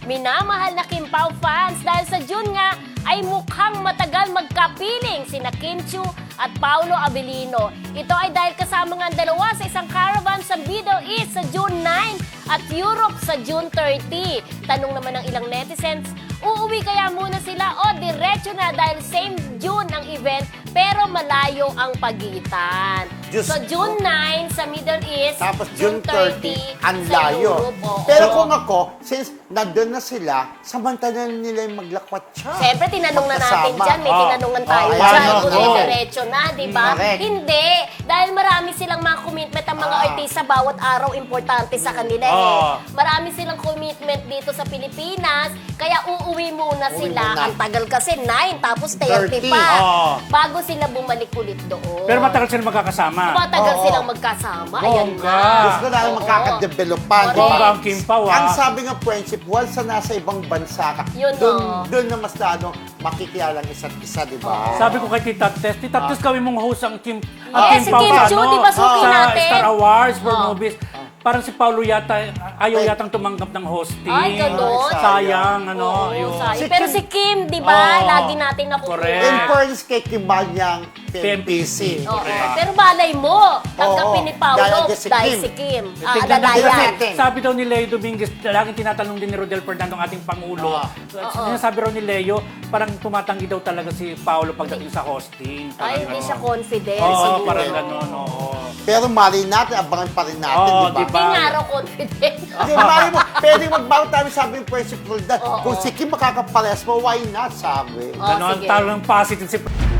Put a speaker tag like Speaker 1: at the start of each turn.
Speaker 1: minamahal na Kim Pao fans dahil sa June nga ay mukhang matagal magkapiling sina Kim Chiu at Paolo Abilino. Ito ay dahil kasama nga ang dalawa sa isang caravan sa Middle East sa June 9 at Europe sa June 30. Tanong naman ng ilang netizens, uuwi kaya muna sila o diretso na dahil same June ang event pero malayo ang pagitan.
Speaker 2: Diyos
Speaker 1: So June 9 sa Middle East,
Speaker 2: Tapos June 30, ang
Speaker 1: sa
Speaker 2: layo.
Speaker 1: Europe, oo.
Speaker 2: Pero kung ako, since nandun na sila, samantalan nila yung maglakwat siya.
Speaker 1: Siyempre, tinanong na natin
Speaker 2: Magkasama.
Speaker 1: dyan. May tinanungan tayo
Speaker 2: ayan,
Speaker 1: dyan.
Speaker 2: oo.
Speaker 1: Kung diretso na, di ba?
Speaker 2: Correct.
Speaker 1: Hindi. Dahil marami silang mga commitment ang mga artista. Bawat araw importante sa kanila eh. Marami silang commitment dito sa Pilipinas. Kaya uuwi muna
Speaker 2: Uwi
Speaker 1: sila.
Speaker 2: muna.
Speaker 1: Ang tagal kasi, 9 tapos 30
Speaker 2: 30.
Speaker 1: pa.
Speaker 3: Oo.
Speaker 1: Bago sila bumalik ulit doon.
Speaker 3: Pero matagal sila magkakasama.
Speaker 1: Matagal
Speaker 2: Oo.
Speaker 1: silang magkasama. Ayan
Speaker 3: Bongga.
Speaker 1: nga.
Speaker 2: Gusto na lang
Speaker 1: Oo.
Speaker 2: magkakadevelopan.
Speaker 1: Correct.
Speaker 3: Bongga ang Kim Pao,
Speaker 2: Ang
Speaker 3: ah.
Speaker 2: sabi nga friendship, once na nasa ibang bansa ka,
Speaker 1: Yun,
Speaker 2: doon na mas lalo makikialang isa't isa, di ba?
Speaker 3: Sabi ko kay Tita Tess gawin mong host ang Kim,
Speaker 1: Yes, si
Speaker 3: Pao
Speaker 1: Kim
Speaker 3: sa,
Speaker 1: Chiu, di ba suki
Speaker 3: sa
Speaker 1: natin?
Speaker 3: Star Awards for
Speaker 1: Oh.
Speaker 3: movies. Parang si Paolo yata, ayaw yatang tumanggap ng hosting.
Speaker 1: Ay, ganon.
Speaker 3: Sayang, ano.
Speaker 1: Oo,
Speaker 3: yun.
Speaker 1: sayang.
Speaker 2: Si
Speaker 1: Pero
Speaker 2: Kim-
Speaker 1: si Kim, di ba?
Speaker 3: Oo.
Speaker 1: Lagi natin nakukuha.
Speaker 3: Correct.
Speaker 2: In fairness kay Kimanyang PMPC.
Speaker 1: Oo.
Speaker 3: Correct.
Speaker 1: Pero malay mo, tanggapin ni Paolo
Speaker 2: Dahil si
Speaker 1: dahil
Speaker 2: Kim.
Speaker 1: si Kim.
Speaker 3: Tignan
Speaker 1: Alalayan.
Speaker 2: natin.
Speaker 3: Sabi daw ni Leo Dominguez, laging tinatanong din ni Rodel Fernando, ang ating Pangulo. Sinasabi raw ni Leo, parang tumatanggi daw talaga si Paolo pagdating sa hosting.
Speaker 1: Ay, hindi siya confident.
Speaker 3: Oo,
Speaker 1: siguro.
Speaker 3: parang gano'n, oo.
Speaker 2: Pero mali natin, abangan pa rin natin,
Speaker 3: Oo,
Speaker 2: di ba?
Speaker 1: Hindi nga raw confident.
Speaker 2: Hindi, mali mo, pwedeng magbago tayo sabi ng principal that
Speaker 1: Oo.
Speaker 2: kung si Kim makakapares mo, why not, sabi?
Speaker 1: Oh,
Speaker 3: Ganon,
Speaker 1: sige.
Speaker 3: talagang positive si